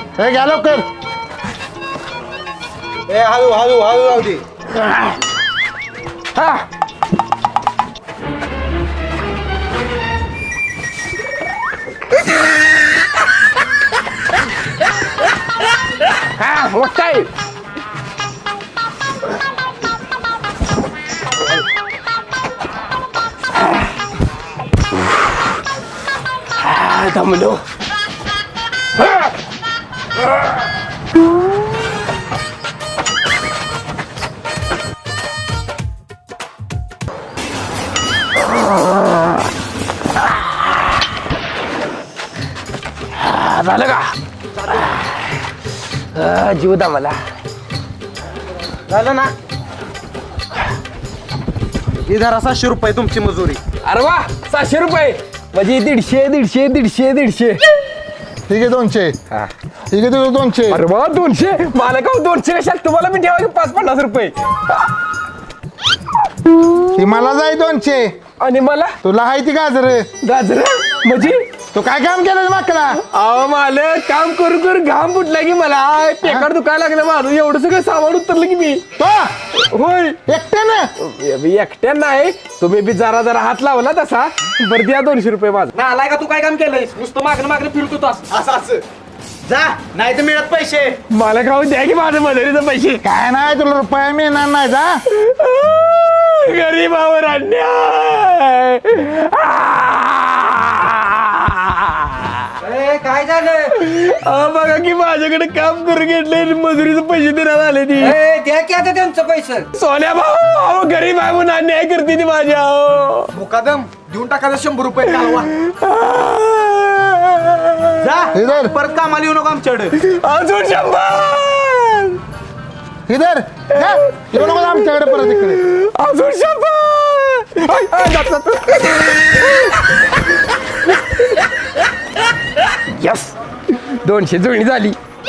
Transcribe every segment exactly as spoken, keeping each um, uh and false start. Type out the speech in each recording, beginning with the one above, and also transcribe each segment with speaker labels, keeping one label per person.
Speaker 1: हे घ्या लवकर.
Speaker 2: ए हळू हळू हळू राहू दे.
Speaker 1: हा हा मोठा आहे. हा दमलो. झालं का जीव दा मला
Speaker 2: झालं ना. ही धरा सातशे रुपये तुमची मजुरी.
Speaker 1: अरे वा सहाशे रुपये म्हणजे दीडशे दीडशे दीडशे दीडशे.
Speaker 3: ठीक आहे दोनशे. ठीक आहे तुझं दोनशे.
Speaker 1: अरे वा दोनशे मला का दोनशे कशात तुम्हाला मी ठेवा पाच पन्नास रुपये.
Speaker 3: ती मला जाय दोनशे
Speaker 1: आणि मला
Speaker 3: तुला हाय ती गाजर.
Speaker 1: गाजर म्हणजे
Speaker 3: तू काय काम केलं माकला.
Speaker 1: अहो मला काम करू करू घाम फुटला की मला पेकार दुखायला लागलं माझं एवढं सगळं सामान उतरलं की मी.
Speaker 3: तो
Speaker 1: होय
Speaker 3: एकट्यानं
Speaker 1: एकट्या नाही तुम्ही बी जरा जरा हात लावला तसा बरं द्या दोनशे रुपये माझं.
Speaker 2: ना आलाय का तू काय काम केलंयस. नुसतं मागणं मागणं फिरतो तू असं असं जा नाही तर मिळत पैसे.
Speaker 1: मला खाऊ द्या की माझं मजुरीचं पैसे.
Speaker 3: काय नाही तुला रुपया मिळणार नाही जा.
Speaker 1: गरीबावर अन्याय.
Speaker 2: काय झालं.
Speaker 1: बघा की माझ्याकडे काम करून घेतले मजुरीचे पैसे देण्यात आले ती.
Speaker 2: द्या की आता त्यांचं पैसे.
Speaker 1: सोन्या भाऊ अहो गरीब आहे म्हणून अन्याय करते ती माझ्या. अहो
Speaker 2: मुकादम देऊन टाकायचं शंभर रुपये घालवा.
Speaker 3: इधर
Speaker 2: परत कामाला येऊ नको आमच्याकडे.
Speaker 1: अजून शंभर.
Speaker 3: इधर जा. येऊ नको आमच्याकडे परत इकडे.
Speaker 1: अजून शंभर. आय, आय, जात, जात. यस दोनशे जुळणी झाली.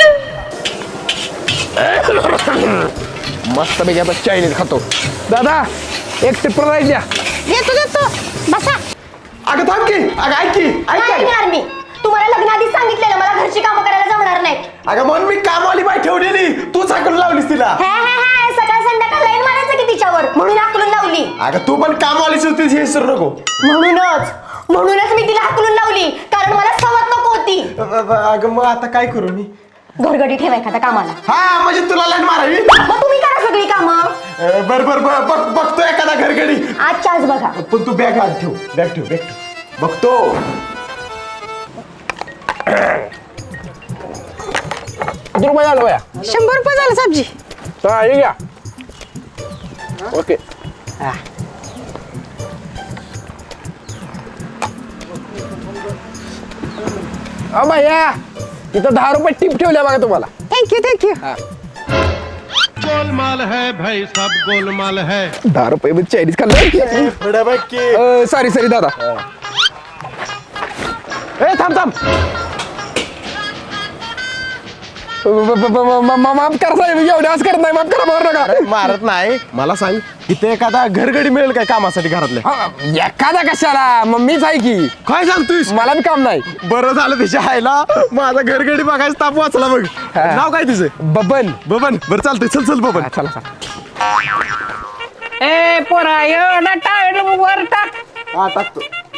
Speaker 1: मस्त पैकी आता चायनीज खातो. दादा एक ट्रिपल राईस द्या.
Speaker 4: देतो देतो बसा.
Speaker 1: अगं थांब की अगं ऐक की ऐक
Speaker 4: नाही येणार मी. तुम्हाला लग्नाआधीच सांगितलेलं मला घरची कामं करायला जमणार नाही.
Speaker 1: अगं म्हणून मी कामवाली बाई ठेवलेली तूच हाकलून लावलीस तिला.
Speaker 4: हे हे हे सकाळ संध्याकाळ लाईन मारायचं की तिच्यावर म्हणून हाकलून लावली.
Speaker 1: अगं तू पण कामवालीच होतीस हे विसरू नको.
Speaker 4: म्हणूनच म्हणूनच मी तिला हाकलून लावली कारण मला सवत नको होती.
Speaker 1: अगं मग आता काय करू मी.
Speaker 4: घरगडी ठेवा एखाद्या कामाला.
Speaker 1: हा म्हणजे तुला लाईन मारावी.
Speaker 4: मग तुम्ही करा सगळी कामं.
Speaker 1: बर बर बर बघ बघतो एखादा घरगडी.
Speaker 4: आजच्या आज बघा.
Speaker 1: पण तू बॅग आत ठेव बॅग ठेव बॅग ठेव बघतो. किती रुपये झालं बया.
Speaker 4: शंभर रुपये झालं सब्जी.
Speaker 1: हे घ्या. ओके अ भैया इथं दहा रुपये टिप ठेवल्या बघा तुम्हाला.
Speaker 4: Thank you thank you.
Speaker 5: गोलमाल है भाई सब गोलमाल है.
Speaker 1: दहा रुपये मध्ये चायनीज खाल्लं. सॉरी सॉरी दादा. ए थांब थांब. माफ करा साहेब एवढे आज करत नाही. माफ करा मारू नका.
Speaker 2: मारत नाही. मला सांग इथे एखादा घरगडी मिळेल काय कामासाठी घरातल्या.
Speaker 1: एखादा कशाला मग मीच आहे की.
Speaker 2: काय सांगतोयस.
Speaker 1: मला बी काम नाही.
Speaker 2: बरं झालं त्याच्या आईला माझा घरगडी बघायचं ताप वाचला बघ. नाव काय तुझं.
Speaker 1: बबन.
Speaker 2: बबन. बरं चालतंय चल चल बबन.
Speaker 1: चला चला.
Speaker 6: ए पोरा यो ना टायर वर टाक.
Speaker 2: हा टाकतो.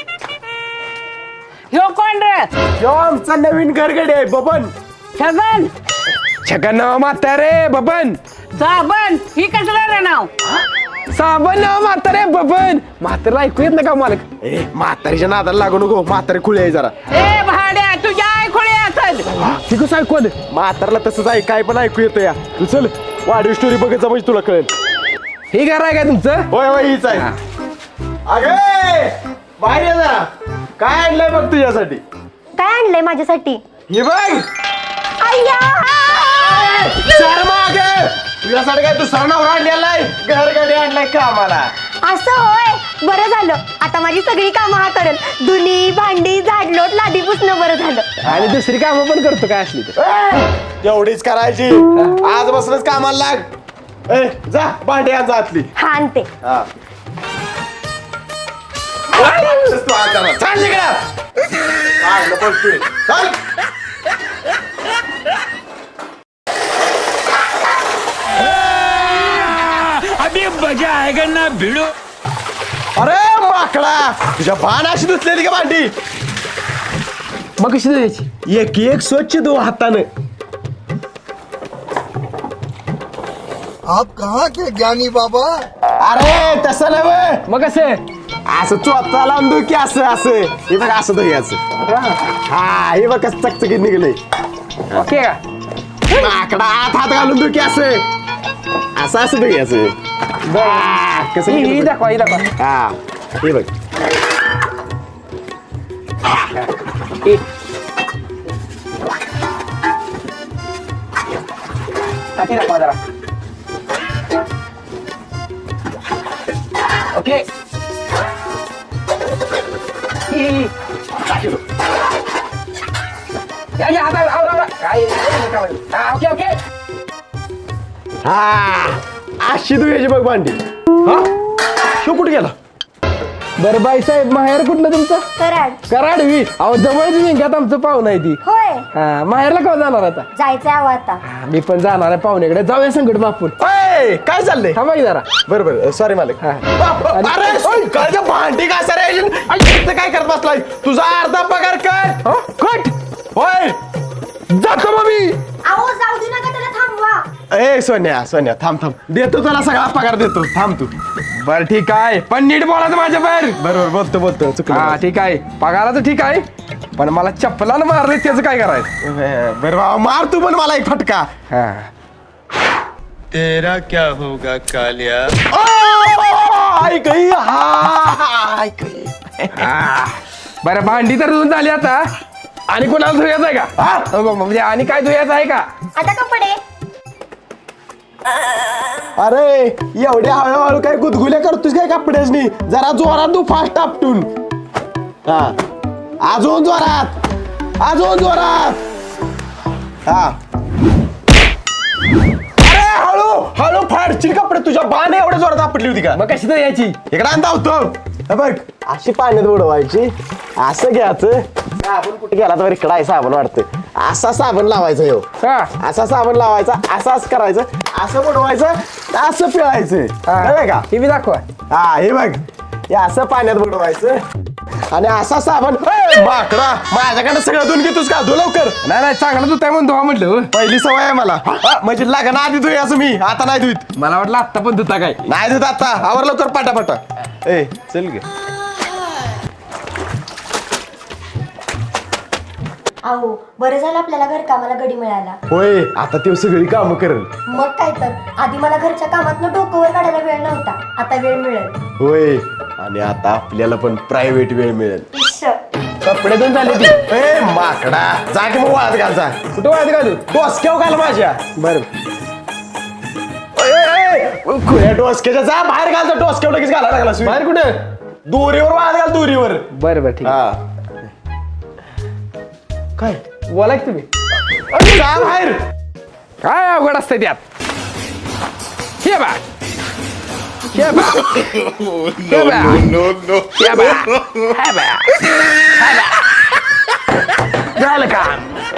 Speaker 6: ह्यो कोण रे.
Speaker 2: यो आमचा नवीन घरगडी आहे बबन.
Speaker 6: छगन
Speaker 1: छगन नाव म्हातारे बबन.
Speaker 6: साबण ही कसलं रे नाव.
Speaker 1: साबण नाव म्हातारे बबन. म्हातारा ऐकू येत नाही का मालक.
Speaker 2: ए म्हातारीच्या नादाला लागू नको. म्हातारी खुळी आहे जरा.
Speaker 6: ए भाड्या तुझ्या ऐकून असल.
Speaker 1: ती कसं ऐकू आलं.
Speaker 2: म्हातारला तसंच आहे काय पण ऐकू येतं या. तू चल वाढीव स्टोरी बघायचा म्हणजे तुला कळेल.
Speaker 1: हे घर आहे काय तुमचं.
Speaker 2: होय होय हीच आहे. अगे बाहेर ये जरा. काय आणलंय बघ तुझ्यासाठी.
Speaker 4: काय आणलंय माझ्यासाठी.
Speaker 2: हे बघ.
Speaker 4: अय्या.
Speaker 2: सर मागे तुझ्यासाठी काय तू सणावर आणलेला आहे. घरगडी आणलाय का आम्हाला.
Speaker 4: असं होय बरं झालं. आता माझी सगळी कामं हा करेल. धुनी भांडी झाडलोट लादी पुसणं बरं झालं.
Speaker 1: आणि दुसरी कामं पण करतो काय असली तर.
Speaker 2: एवढीच करायची. आज बसलंच कामाला लाग. ए जा भांडी आण जा आतली.
Speaker 4: हा आणते.
Speaker 2: हा. तू आज जा. चल तिकडं. चाल.
Speaker 5: मजा आएगा ना भिड़ो.
Speaker 2: अरे माकडा तुझ्या बाण अशी धुतलेली का भांडी
Speaker 1: मग कशी द्यायची
Speaker 2: एक एक स्वच्छ धु हातानं.
Speaker 3: आप कहाँ के ज्ञानी बाबा?
Speaker 2: अरे तसं नव्हे
Speaker 1: मग कसं
Speaker 2: असं चोथा लावून धु की असं असं हे बघ असं धुयाचं. हा हे बघ कसं चकचकीत निघलंय.
Speaker 1: ओके का
Speaker 2: माकडा आत हात घालून धु की असं असं असं धुयाचं. हा, कसं
Speaker 1: ही ही
Speaker 2: निघलं बघ.
Speaker 1: दाखवा ही दाखवा
Speaker 2: हा हे बघ
Speaker 1: ही. टाकी दाखवा जरा ओके ही, ही. या या आता आव, आव, आव. काय हा ओके ओके
Speaker 2: हा अशी धुयाची बघ भांडी. हा शो कुठे गेला
Speaker 1: बरं बाई साहेब माहेर कुठलं तुमचं
Speaker 4: कराड
Speaker 1: कराडवी अहो जवळच विंगात आमचं पाहुणं आहे ती
Speaker 4: होय
Speaker 1: हा माहेरला केव्हा जाणार आता
Speaker 4: जायचंय अहो आता
Speaker 1: हा, मी पण जाणार आहे पाहुण्याकडे जाऊया संकट बापून
Speaker 2: ओय, काय चाललंय
Speaker 1: थांबा की जरा
Speaker 2: बरं बरं सॉरी मालक.
Speaker 1: हा.
Speaker 2: बाप, अरे ओय, काय गं भांडी का सर काय करत बसलाय तुझा अर्धा पगार कर
Speaker 1: हो कट
Speaker 2: होय
Speaker 1: जातो मग मी
Speaker 4: अहो जाऊ दे नका त्याला थांबवा.
Speaker 2: ए सोन्या सोन्या थांब थांब देतो तुला सगळा पगार देतो थांब तू.
Speaker 1: बर ठीक आहे पण नीट बोलायचं माझ्या बाहेर
Speaker 2: बरोबर बोलतो बोलतो
Speaker 1: हा
Speaker 2: चुकलं.
Speaker 1: ठीक आहे पगाराचं ठीक आहे पण मला चप्पलानं मारले त्याचं काय करायचं
Speaker 2: बरं बाबा मार तू पण मला एक फटका.
Speaker 1: हा
Speaker 5: तेरा क्या होगा कालिया.
Speaker 2: ओ, ऐक ही, हा, ऐक ही.
Speaker 1: हा. बरं भांडी तर धुवून झाली आता आणि कोणाला धुयाचं आहे का
Speaker 2: हा?
Speaker 1: अ, ब- म्हणजे आणि काय धुयाचं आहे का
Speaker 4: आता कपडे
Speaker 2: अरे एवढ्या हळूहळू काय गुदगुल्या करतोस काय कपड्यासनी जरा जोरात तू फास्ट आपटून. हा अजून जोरात अजून जोरात. हा अरे हळू हळू फाडशील कपडे तुझ्या बाण एवढ्या जोरात आपटली होती का
Speaker 1: मग कशी धुयाची
Speaker 2: इकडे आणता होतो. हे बघ अशी पाण्यात बुडवायची असं घ्यायचं साबण कुठे गेला तर इकडं आहे साबण वाटतं असा साबण लावायचा ह्यो
Speaker 1: हा
Speaker 2: असा साबण लावायचा असाच करायचं असं बुडवायचं असं पिळायचं कळलं का.
Speaker 1: ही बी दाखवा
Speaker 2: हा हे बघ हे असं पाण्यात बुडवायचं आणि असा साबण ए, माकडा माझ्याकडे सगळं धुवून घेतोस का धु लवकर.
Speaker 1: नाही नाही चांगलं धुताय म्हणून धुवा म्हटलं हो.
Speaker 2: पहिली सवय आहे मला हा, म्हणजे लागण आधी धुई असं मी आता नाही धुईत
Speaker 1: मला वाटलं आत्ता पण धुता काय
Speaker 2: नाही धुत आता आवर लवकर पाटा ए चल गे.
Speaker 4: अहो बरं झालं आपल्याला घर कामाला गडी मिळाला.
Speaker 2: होय आता ते सगळी कामं करेल.
Speaker 4: मग काय तर आधी मला घरच्या कामातनं डोकंवर काढायला वेळ नव्हता आता वेळ मिळेल.
Speaker 2: होय आणि आता आपल्याला पण प्रायव्हेट वेळ मिळेल.
Speaker 4: इश्श.
Speaker 1: कपडे धुवून झाले ती
Speaker 2: ए माकडा जा की मग वाळत घालचा
Speaker 1: कुठं वाळत घालू
Speaker 2: डोसक्याव घाल माझ्या.
Speaker 1: बरं
Speaker 2: खुल्या डोसक्याच्या जा बाहेर घालचा डोसक्याव लगेच घाला लागला
Speaker 1: बाहेर कुठं
Speaker 2: दोरीवर वाळत घाल दोरीवर.
Speaker 1: बरं बरं ठीक आहे.
Speaker 2: हा काय
Speaker 1: बोला की तुम्ही
Speaker 2: अरे जा बाहेर.
Speaker 1: काय अवघड असतं त्यात हे बा हे बा हे बा हे बा हे बा हे बा झालं का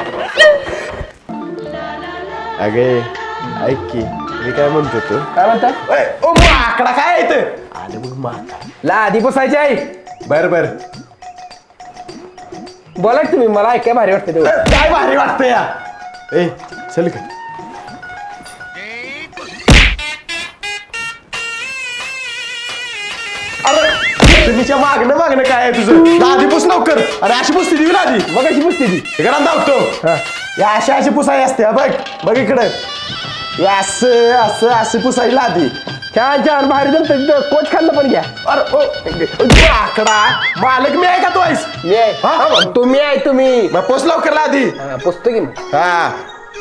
Speaker 2: अगे ऐक की मी काय म्हणतो तू
Speaker 1: काय म्हणता
Speaker 2: ए, ओ माकडा काय येत आले मग माकडा.
Speaker 1: लादी पुसायची आहे
Speaker 2: बर बर
Speaker 1: बोला की तुम्ही मला ऐकाय भारी वाटतं तेवढं
Speaker 2: काय भारी वाटतं या ए चल का अरे तुम्हीच्या मागणं मागणं काय आहे तुझं लादी पुस लवकर अरे अशी पुसती दिवी लादी
Speaker 1: मग कशी पुसते ती
Speaker 2: इकडं धावतो या अशी अशी पुसाई असते हा, बघ बघ इकडं या असं असं अशी पुसाई लादी
Speaker 1: छान छान भारी जमतं तिथं कोच खाल्लं पण घ्या
Speaker 2: अरे ओ आकडा मालक मी आहे का तू आहेस
Speaker 1: मी आहे
Speaker 2: हा?
Speaker 1: तुम्ही आहे तुम्ही
Speaker 2: मग पोच लवकर लादी
Speaker 1: हा, पुसतो की मग
Speaker 2: हा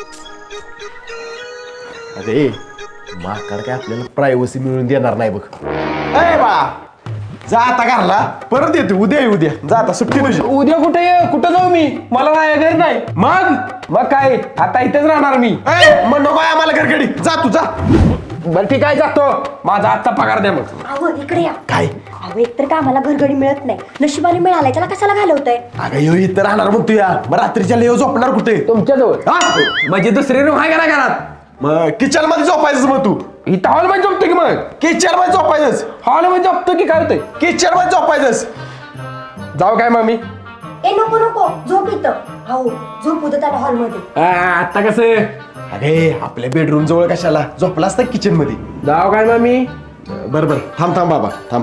Speaker 2: अरे माकड काय आपल्याला प्रायव्हसी मिळून देणार नाही बघ ए बा जा आता घरला परत येतो उद्या ये उद्या जा आता सुट्टी तुझी
Speaker 1: उद्या कुठे ये कुठं जाऊ मी मला नाही घरी नाही
Speaker 2: मग
Speaker 1: मग काय आता इथेच राहणार मी
Speaker 2: ए मग नको आहे आम्हाला घरगडी जा तू जा
Speaker 1: बरं ठीक आहे जातो माझा आजचा पगार द्या मग
Speaker 4: अहो इकडे या.
Speaker 2: काय
Speaker 4: अहो एकतर कामाला घरगडी मिळत नाही नशिबाने मिळालाय त्याला कशाला घालवतंय.
Speaker 2: अगं येऊ इथं राहणार म्हणतो या मग रात्रीच्या लेव झोपणार कुठे
Speaker 1: तुमच्या जवळ
Speaker 2: हा
Speaker 1: म्हणजे दुसरी रूम आहे का ना घरात
Speaker 2: मग किचन मध्ये झोपायचं मग तू
Speaker 1: इथं हॉल मध्ये झोपतो की मग
Speaker 2: किचन मध्ये झोपायचंच
Speaker 1: हॉल मध्ये झोपतो की काय होतंय
Speaker 2: किचन मध्ये झोपायचंच
Speaker 1: जाऊ काय मम्मी
Speaker 4: ए नको नको झोप इथं हो झोप उद्या त्याला हॉलमध्ये
Speaker 1: आता कसं
Speaker 2: अरे आपल्या बेडरूम जवळ कशाला झोपला असता किचन मध्ये
Speaker 1: जाऊ काय मम्मी
Speaker 2: बरं बरं थांब थांब बाबा थांब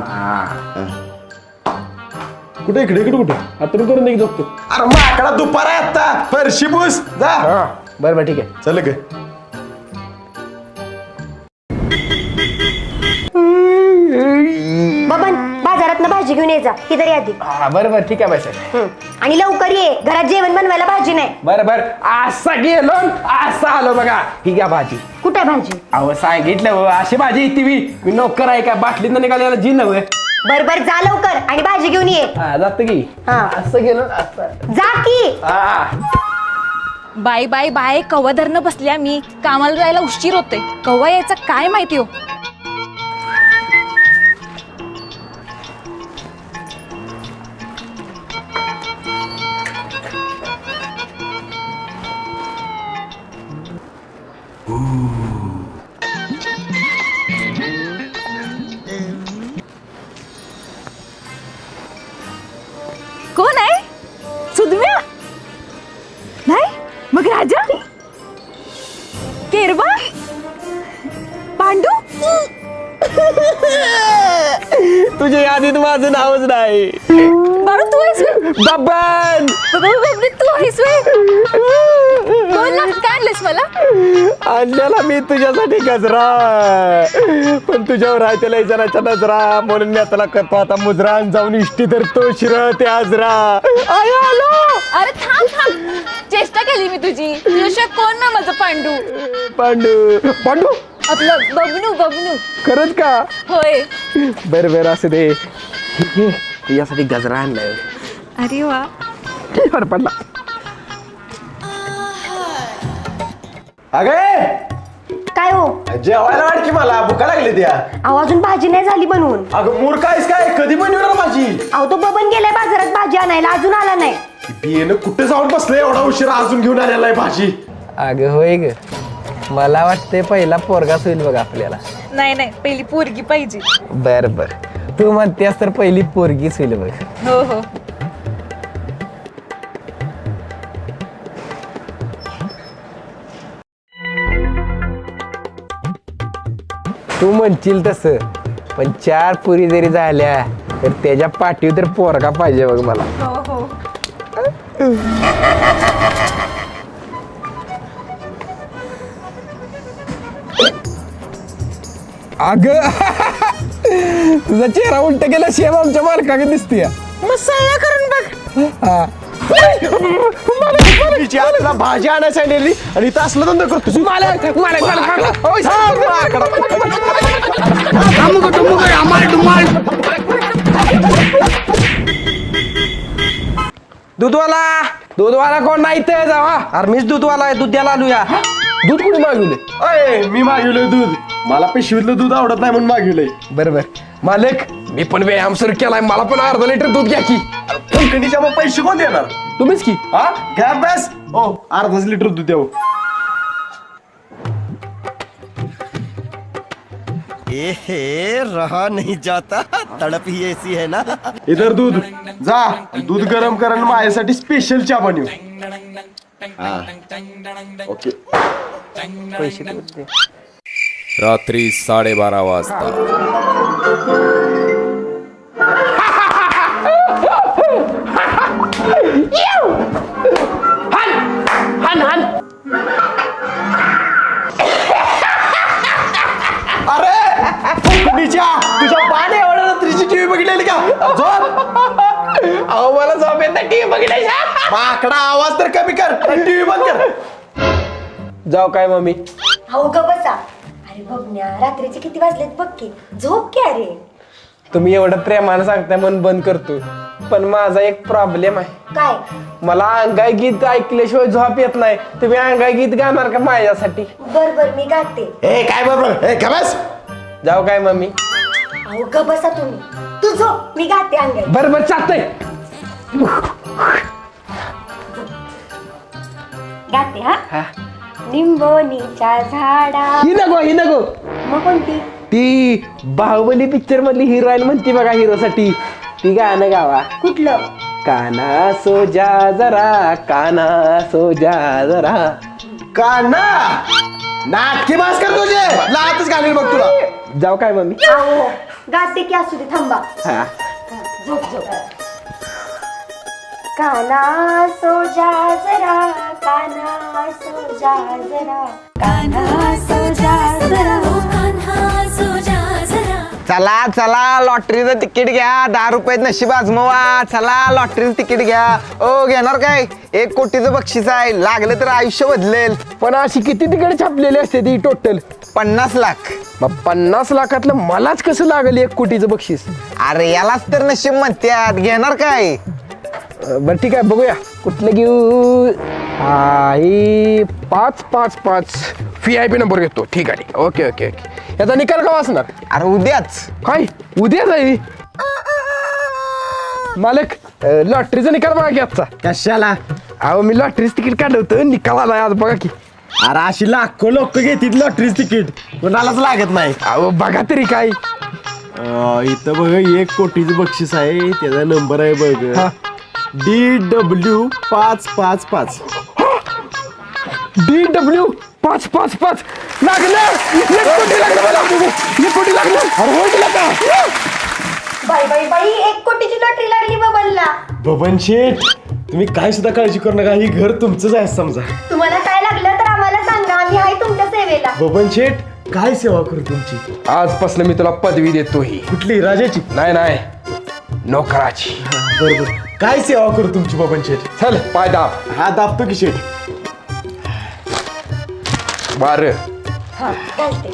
Speaker 2: कुठे इकडे इकडे कुठे
Speaker 1: हातून करून दे झोपतो
Speaker 2: अरे माकडा दुपार आहे आता फरशी पुस जा
Speaker 1: हा बरं बरं ठीक आहे
Speaker 2: चल ग
Speaker 4: बबन बाजारात भाजी घेऊन ये जा ही तरी आधी
Speaker 1: हा बरं बरं ठीक आहे बाय
Speaker 4: हं. आणि लवकर ये घरात जेवण बनवायला भाजी नाही
Speaker 1: बरं बरं असा गेलो असा आलो बघा ही घ्या भाजी
Speaker 4: कुठे भाजी
Speaker 1: अहो सांगितलं हो अशी भाजी येते मी मी नोकर आहे का बाटलीत निघालेला जी नव्हे
Speaker 4: बर बर जा लवकर आणि भाजी घेऊन ये
Speaker 1: हा जात की
Speaker 4: हा.
Speaker 1: असं गेलो असं
Speaker 4: जा की
Speaker 1: हा
Speaker 7: बाय बाय बाय कवा धरणं बसल्या मी कामाला जायला उशीर होते कवा यायचा काय माहिती हो कोण आहे सुधम्या नाही मग राजा केरबा पांडू
Speaker 1: तुझ्या यादीत माझं नावच नाही
Speaker 7: बाळू तू आहेस व्हय?
Speaker 1: बब्बन
Speaker 7: बाबा, बाबा, तू आहेस व्हय? बोल ना काय आणलंस मला
Speaker 1: आणलेला मी तुझ्यासाठी गजरा पण तुझ्यावर आहे त्याला इजाराच्या नजरा म्हणून मी त्याला करतो आता मुजरा आणि जाऊन इष्टी धरतो शिर ते आजरा आय आलो
Speaker 7: अरे थांब थांब चेष्टा केली मी तुझी तुझ्याशिवाय कोण ना माझं पांडू
Speaker 1: पांडू पांडू
Speaker 7: आपलं बबनू बबनू
Speaker 1: खरंच का
Speaker 7: होय
Speaker 1: बरं बरं असं दे यासाठी गजरा आणलाय
Speaker 7: अरे वा
Speaker 1: बरं पडला
Speaker 2: अगे
Speaker 4: काय हो
Speaker 2: जेवायला वाट की मला भुका लागली त्या
Speaker 4: अहो अजून भाजी नाही झाली बनवून
Speaker 2: अगं मूर्ख आहेस काय कधी बनवणार माझी
Speaker 4: अहो तो बबन गेलाय बाजारात भाजी आणायला अजून आला नाही
Speaker 2: बियेनं कुठे जाऊन बसले एवढा उशीर अजून घेऊन आलेला आहे भाजी
Speaker 1: अगं होय ग मला वाटतंय पहिला पोरगाच होईल बघ आपल्याला
Speaker 7: नाही नाही पहिली पोरगी पाहिजे
Speaker 1: बर बर तू म्हणतेस तर पहिली पोरगीच होईल बघ
Speaker 7: हो हो
Speaker 1: तू म्हणशील तसं पण चार पुरी जरी झाल्या तर त्याच्या पाठीवर तर पोरगा पाहिजे बघ मला
Speaker 7: हो हो
Speaker 1: अग तुझा चेहरा उलट गेला शेम आमच्या मालकाकडे दिसते
Speaker 7: मसाला करून बघ
Speaker 1: हा
Speaker 2: तिची आपल्याला भाजी आणायला सांगितली आणि इथं असलं धंदा करतो
Speaker 1: मालक मालक मालक ओय, दूधवाला दूधवाला कोण नाही तर जावा अरे मीच दूधवाला आहे दूध द्यायला आलूया दूध कुठे मागवले
Speaker 2: अय मी मागवलंय दूध मला पिशवीतलं दूध आवडत नाही म्हणून मागवलंय
Speaker 1: बरोबर मालक मी पण व्यायाम सुरू केलाय मला पण अर्धा लिटर दूध घ्या की
Speaker 2: कंपनीच्या मग पैसे कोण देणार
Speaker 1: तुम्हीच की
Speaker 2: हा घ्या बस हो अर्धाच लिटर दूध द्यावं
Speaker 8: एहे रहा नहीं जाता तड़प ही ऐसी है ना
Speaker 2: इधर दूध जा दूध गरम कर आणि माझ्यासाठी स्पेशल चहा बनव हा. ओके
Speaker 9: रात्री साडेबारा वाजता
Speaker 2: अरे कंपनीच्या तुझ्या पाणी एवढ्या रात्रीची टीव्ही बघितलेली का झोप
Speaker 1: अहो मला झोप येत नाही टीव्ही बघितली
Speaker 2: माकडा आवाज तर कमी कर टीव्ही बंद कर
Speaker 1: जाऊ काय मम्मी
Speaker 4: अहो ग बसा अरे बबन्या रात्रीचे किती वाजलेत बघ की झोप की अरे
Speaker 1: तुम्ही एवढं प्रेमानं सांगताय मन बंद करतो पण माझा एक प्रॉब्लेम आहे
Speaker 4: काय
Speaker 1: मला अंगाई गीत ऐकल्याशिवाय झोप येत नाही तुम्ही अंगाई गीत गाणार का माझ्यासाठी
Speaker 4: बर बर मी गाते
Speaker 2: ए काय बरोबर ए बस
Speaker 1: जाऊ काय मम्मी
Speaker 4: अहो ग बसा तुम्ही तू झोप मी गाते अंगाई
Speaker 1: बरं बरं चालतंय
Speaker 4: गाते हा निंबोनीच्या झाडा
Speaker 1: ही नको ही नको
Speaker 4: मग कोणती?
Speaker 2: ती बाहुबली पिक्चर मधली हिरोईन म्हणते बघा हिरोसाठी, ती गाणं गावा.
Speaker 4: कुठलं?
Speaker 2: काना सो जा जरा, काना सो जा जरा. काना नाटकी मास कर तुझे लातच घालील बघ तुला. जाऊ काय मम्मी?
Speaker 4: आहो गाते की असू दे, थांबा.
Speaker 2: हा
Speaker 4: झोप झोप. काना सो जा जरा, काना सो जा जरा, काना सो जा जरा, कान्हा सो जा जरा.
Speaker 1: चला चला लॉटरीचं तिकीट घ्या, दहा रुपयात नशीब आजमवा. चला लॉटरीचं तिकीट घ्या. ओ घेणार काय? एक कोटीचं बक्षीस आहे, लागलं तर आयुष्य बदलेल.
Speaker 2: पण अशी किती तिकडे छापलेली असते ती टोटल?
Speaker 1: पन्नास लाख.
Speaker 2: मग पन्नास लाखातलं मलाच कसं लागल एक कोटीचं बक्षीस?
Speaker 1: अरे यालाच तर नशीब म्हणतात. घेणार काय?
Speaker 2: अं, बरं ठीक आहे, बघूया कुठलं घेऊ. आई पाच पाच पाच व्ही आय पी नंबर घेतो. ठीक आहे, ओके ओके ओके. याचा निकाल का वाचणार?
Speaker 1: अरे उद्याच.
Speaker 2: काय उद्या जाई? मालक लॉटरीचा निकाल बघा की आजचा.
Speaker 3: कशाला?
Speaker 2: अहो मी लॉटरीचं तिकीट काढलं होतं, निकाल आलाय आज बघा की.
Speaker 3: अरे अशी लाखो लोक घेतील लॉटरीच तिकीट, कोणालाच लागत नाही.
Speaker 2: अहो बघा तरी काय.
Speaker 3: अं, इथं बघ एक कोटीचं बक्षीस आहे, त्याचा नंबर आहे बघ
Speaker 2: हा.
Speaker 3: डी डब्ल्यू पाच पाच पाच.
Speaker 2: डी डब्ल्यू पाच पाच पाच लागलं. एक कोटी लागलं मला. एक कोटी लागलं. अरे हो दिला का?
Speaker 4: बाई बाई बाई, एक कोटीची लॉटरी लागली बबनला.
Speaker 3: बबन शेठ, तुम्ही काय सुद्धा काळजी करू नका, ही घर तुमचंच आहे समजा.
Speaker 4: तुम्हाला काय लागलं तर आम्हाला सांगा, आम्ही आहे तुमच्या सेवेला.
Speaker 3: बबन शेठ, काय सेवा करू तुमची?
Speaker 2: आजपासून मी तुला पदवी देतो. ही
Speaker 3: कुठली? राजाची?
Speaker 2: नाही नाही, नोकराची.
Speaker 3: बरोबर. काय सेवा करू तुमची बबन शेठ?
Speaker 2: चल पाय दाब.
Speaker 3: हा दाबतो की शेठ.
Speaker 2: बार
Speaker 4: हा चालते.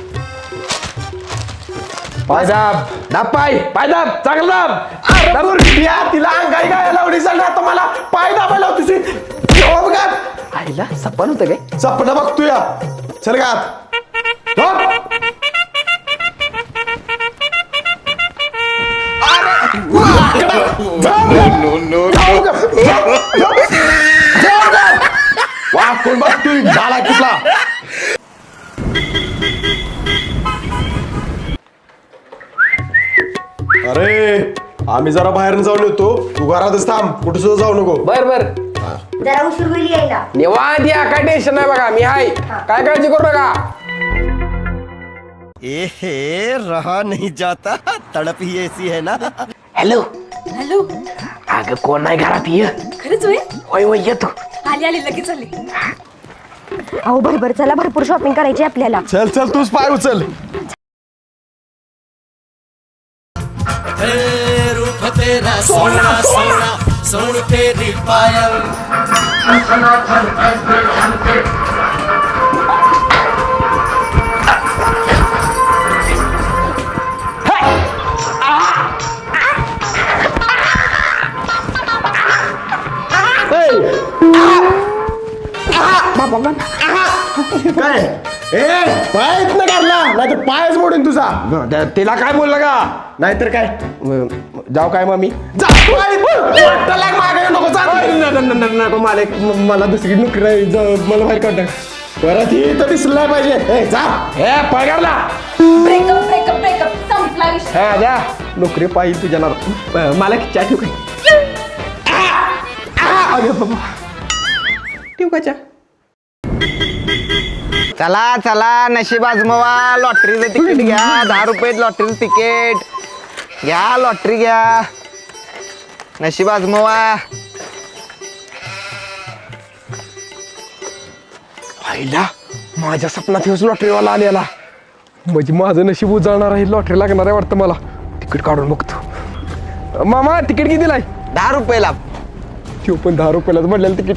Speaker 2: पाय दाब. दाब पाय. पाय दाब. चांगला दाब.
Speaker 3: अरे बुरट्या, तिला अंगाई गाय लावली चालली, आता मला पाय दाबायला होती.
Speaker 2: आईला सपन होतं काय?
Speaker 3: सपना बघतो या. चल का आत. झोप. वा कोण बघतोय झाला कुठला? अरे आम्ही जरा बाहेर जाऊन येतो, तू घरातच थांब, कुठे सुद्धा जाऊ नको.
Speaker 2: बर बर.
Speaker 4: जरा उशीर होईल यायला.
Speaker 2: निवांत या, काय टेन्शन नाही बघा, मी आहे. काय काळजी करू नका.
Speaker 8: ए हे रहा नहीं जाता, तड़प ही ऐसी है ना.
Speaker 2: हॅलो
Speaker 7: हॅलो,
Speaker 2: अगं कोण नाही घरात? ये.
Speaker 7: खरंच होय?
Speaker 2: होय होय येतो.
Speaker 7: आली आली लगेच आली.
Speaker 4: अहो भरभर चला, भरपूर शॉपिंग करायची आपल्याला.
Speaker 3: चल चल तूच पाय उचल.
Speaker 8: रूप तेरा सोना सोना सोन तेरी पायल.
Speaker 3: काय ए पायच न काढला, नाहीतर पायच मोडून तुझा.
Speaker 2: तिला काय बोललं का?
Speaker 3: नाहीतर काय
Speaker 2: जाऊ काय मग मी?
Speaker 3: जा पाय. वाटतं लाग मागे नको जा.
Speaker 2: नको मालक, मला दुसरी नोकरी आहे. जा, मला बाहेर काढ.
Speaker 3: परत ही तर दिसलं पाहिजे. ए, जा.
Speaker 2: हे पगारला.
Speaker 7: ब्रेकअप ब्रेकअप ब्रेकअप संपला विषय.
Speaker 2: हा द्या, नोकरी पाहिजे तुझ्या नाव. मालक चहा ठेवू काय? अरे बाबा, ठेवू का चहा?
Speaker 1: चला चला नशीब आजमवा. लॉटरीचं तिकीट घ्या, दहा रुपयात लॉटरीचं तिकीट घ्या. लॉटरी घ्या, नशीब आजमवा.
Speaker 2: आईला माझ्या सपनात हेच लॉटरीवाला आलेला, म्हणजे माझं नशीब उजळणार आहे. लॉटरी लागणार आहे वाटतं मला. तिकीट काढून बघतो. मामा तिकीट कितीला आहे?
Speaker 1: दहा रुपयाला.
Speaker 2: तो पण दहा रुपयालाच म्हटलेलं तिकीट.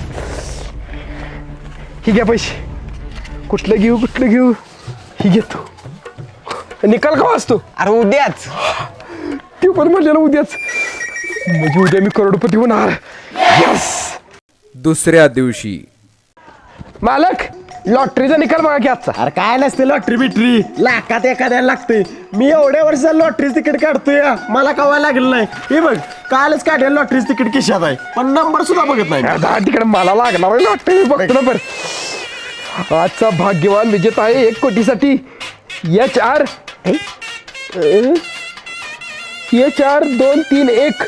Speaker 2: ही घ्या पैसे. कुठलं घेऊ कुठलं घेऊ? ही घेतो. निकाल का वाचतो?
Speaker 1: अरे उद्याच.
Speaker 2: ते पण म्हटलेलं उद्याच, म्हणजे उद्या मी करोडपती होणार. यस.
Speaker 9: दुसऱ्या दिवशी
Speaker 2: मालक लॉटरीचा निकाल बघा की आजचा.
Speaker 3: अरे काय नसते लॉटरी बिटरी, लाखात एखाद्याला लागते. मी एवढ्या वर्ष लॉटरीच तिकीट काढतोय, मला कवा लागलं नाही. हे बघ कालच काढेल लॉटरीच तिकीट खिशात आहे, पण नंबर सुद्धा बघत नाही.
Speaker 2: दहा तिकडे मला लागणार लॉटरी बघतो ना. बरं, आजचा भाग्यवान विजेता आहे एक कोटीसाठी
Speaker 1: एच आर एच आर दोन तीन एक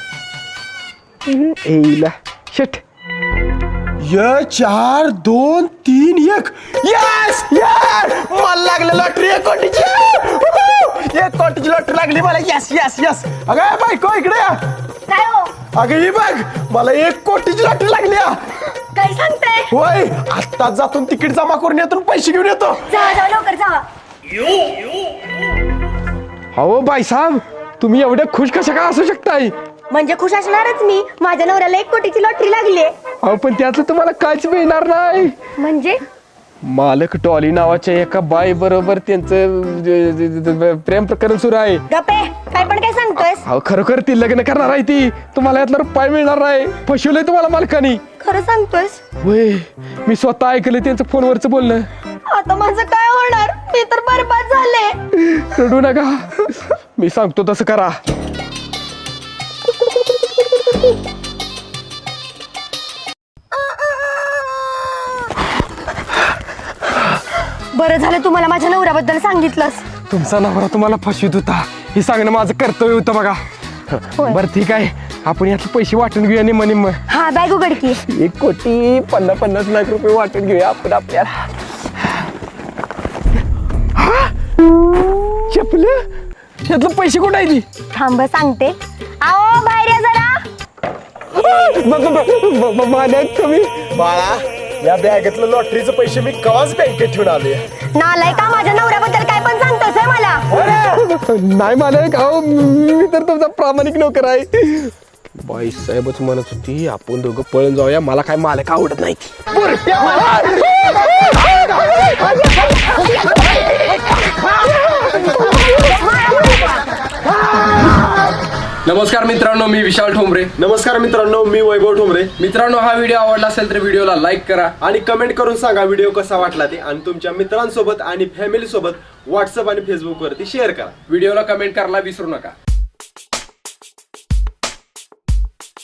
Speaker 1: एला शट
Speaker 3: य चार दोन तीन एक यस यार मला लागलं लॉटरी एक कोटीची उहू! एक कोटीची लॉटरी लागली मला यस यस यस अगं बायको इकडे या
Speaker 4: काय हो
Speaker 3: अगं ही बघ मला एक कोटीची लॉटरी लागली हा.
Speaker 4: काय सांगताय
Speaker 3: होय आत्ताच जातून तिकीट जमा करून येतो आणि पैसे घेऊन येतो
Speaker 4: जावा जावा लवकर जावा
Speaker 1: अहो बाईसाहेब तुम्ही एवढे खुश कशा का असू शकताय
Speaker 4: म्हणजे खुश असणारच मी माझ्या नवऱ्याला एक कोटीची लॉटरी लागली
Speaker 1: अहो पण त्याचं तुम्हाला काहीच मिळणार नाही
Speaker 4: म्हणजे
Speaker 1: मालक टॉली नावाच्या एका बाई बरोबर त्यांचं ज- ज- ज- प्रेम प्रकरण सुरू आहे
Speaker 4: गप्पे काय पण काय सांगतोयस
Speaker 1: अहो खरोखर ती लग्न करणार आहे ती तुम्हाला यातला रुपये मिळणार नाही फसवलंय तुम्हाला मालकानी
Speaker 4: खरं सांगतोयस
Speaker 1: होय मी स्वतः ऐकलं त्यांचं फोनवरचं बोलणं
Speaker 4: आता माझं काय होणार मी तर बरबाद झाले
Speaker 1: रडू नका मी सांगतो तसं करा
Speaker 4: बरं झालं तुम्हाला माझ्या नवऱ्याबद्दल सांगितलंस
Speaker 1: तुमचा नवरा तुम्हाला फसवीत होता हे सांगणं माझं कर्तव्य होतं बघा बरं ठीक आहे आपण यातले पैसे वाटून घेऊया निम्म निम्म
Speaker 4: हा बॅग उघडकी
Speaker 1: एक कोटी पन्नास पन्नास लाख रुपये वाटून घेऊया आपण आपल्याला चपलं यातलं पैसे कुठं आहे ती
Speaker 4: थांब सांगते आओ बाहेर या जरा
Speaker 1: मालक तुम्ही
Speaker 3: बाळा या बॅगेतलं लॉटरीचे पैसे मी कवाच बँकेत ठेवून आलोय
Speaker 4: नालाय का माझ्या नवऱ्याबद्दल काय पण सांगतोस होय मला
Speaker 1: नाही मालक अहो मी तर तुमचा प्रामाणिक नोकर आहे बाई साहेबच म्हणत होती आपण दोघं पळून जाऊया मला काय मालक आवडत नाही
Speaker 9: नमस्कार मित्रांनो मी विशाल ठोंबरे.
Speaker 3: नमस्कार मित्रांनो मी वैभव ठोंबरे.
Speaker 9: मित्रांनो हा व्हिडिओ आवडला असेल तर व्हिडिओला लाईक करा
Speaker 3: आणि कमेंट करून सांगा व्हिडिओ कसा वाटला ते आणि तुमच्या मित्रांसोबत आणि फॅमिली सोबत व्हॉट्सअप आणि फेसबुक वरती शेअर करा.
Speaker 9: व्हिडिओला कमेंट करायला विसरू नका.